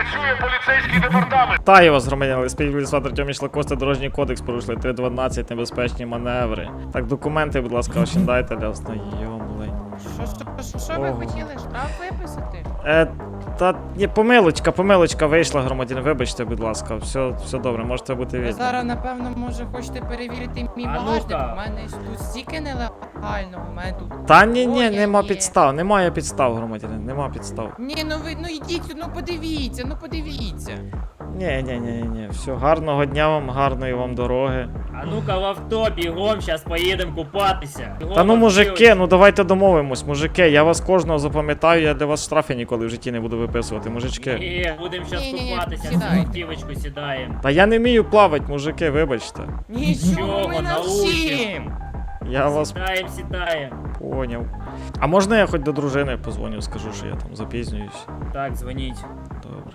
працює поліцейський департамент. Вітаю вас, громадяни. Співвідсват Артем Ішлакости, Дорожній кодекс порушили 3.12, небезпечні маневри. Так, документи, будь ласка, ваші дайте для ознайомлень. Що ви хотіли? Штраф виписати? Та ні, помилочка вийшла, громадяни, вибачте, будь ласка, все добре, можете бути Ви вільні. зараз, напевно, може хочете перевірити мій А багажник? ну-ка. У мене тут стільки нелегального, у мене тут... Та ні, Ой, нема є. підстав, немає підстав, громадянин, нема підстав. Ні, ну йдіть, ну подивіться. Ні, все, гарного дня вам, гарної вам дороги. А ну-ка в авто, бігом, щас поїдемо купатися. Бігом, Та ну, мужики, автівочку. ну давайте домовимось, мужики, я вас кожного запам'ятаю, я для вас штрафи ніколи в житті не буду виписувати, мужички. Ні, будемо щас Ні-ні-ні, купатися, сідайте. в автівочку сідаємо. Та я не вмію плавати, мужики, вибачте. Нічого, ми научимо. навчим. Я вас Сідаємо. поняв. А можна я хоч до дружини позвоню, скажу, що я там запізнююсь? Так, дзвоніть. Добре.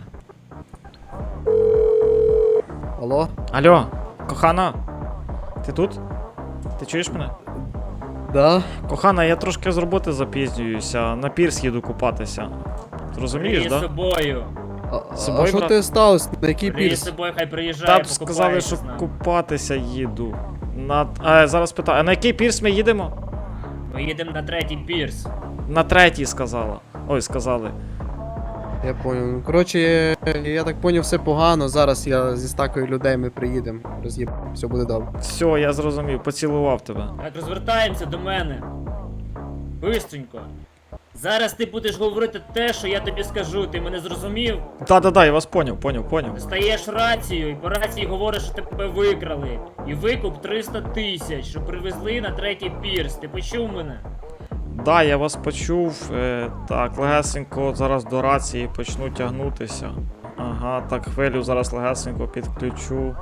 Алло? Алло, кохана, ти тут? Ти чуєш мене? Да? Кохана, я трошки з роботи запізнююся, на пірс їду купатися. Розумієш, Бери з да? собою. З собою, А що брат? ти сталося? На який Бери з пірс? собою, хай приїжджає, Та б покупається сказали, що з нами. купатися їду. Зараз питаю, а на який пірс ми їдемо? Ми їдемо на третій пірс. На третій сказала. Ой, сказали. Я понял. Ну, коротше, я так поняв, все погано. Зараз я зі стакою людей ми приїдемо. Все буде добре. Все, я зрозумів, поцілував тебе. Так, розвертаємося до мене. Бистренько. Зараз ти будеш говорити те, що я тобі скажу, ти мене зрозумів? Да, я вас поняв. Стаєш рацію і по рації говориш, що тебе викрали. І викуп 300 тисяч, що привезли на третій пірс. Ти почув мене? Да, я вас почув. Так, легесенько зараз до рації почну тягнутися. Ага, так, хвилю зараз легесенько підключу.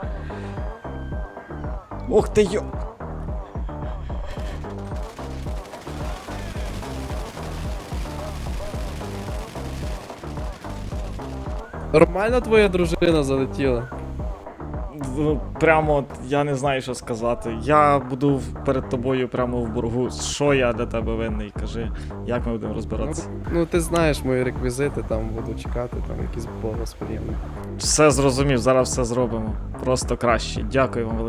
Ух ти йо! Нормально твоя дружина залетіла? Прямо я не знаю, що сказати. Я буду перед тобою прямо в боргу. Що я для тебе винний? Кажи, як ми будемо розбиратися? Ну ти знаєш мої реквізити, там буду чекати, там якийсь бонус приємний. Все зрозумів, зараз все зробимо. Просто краще. Дякую вам велике.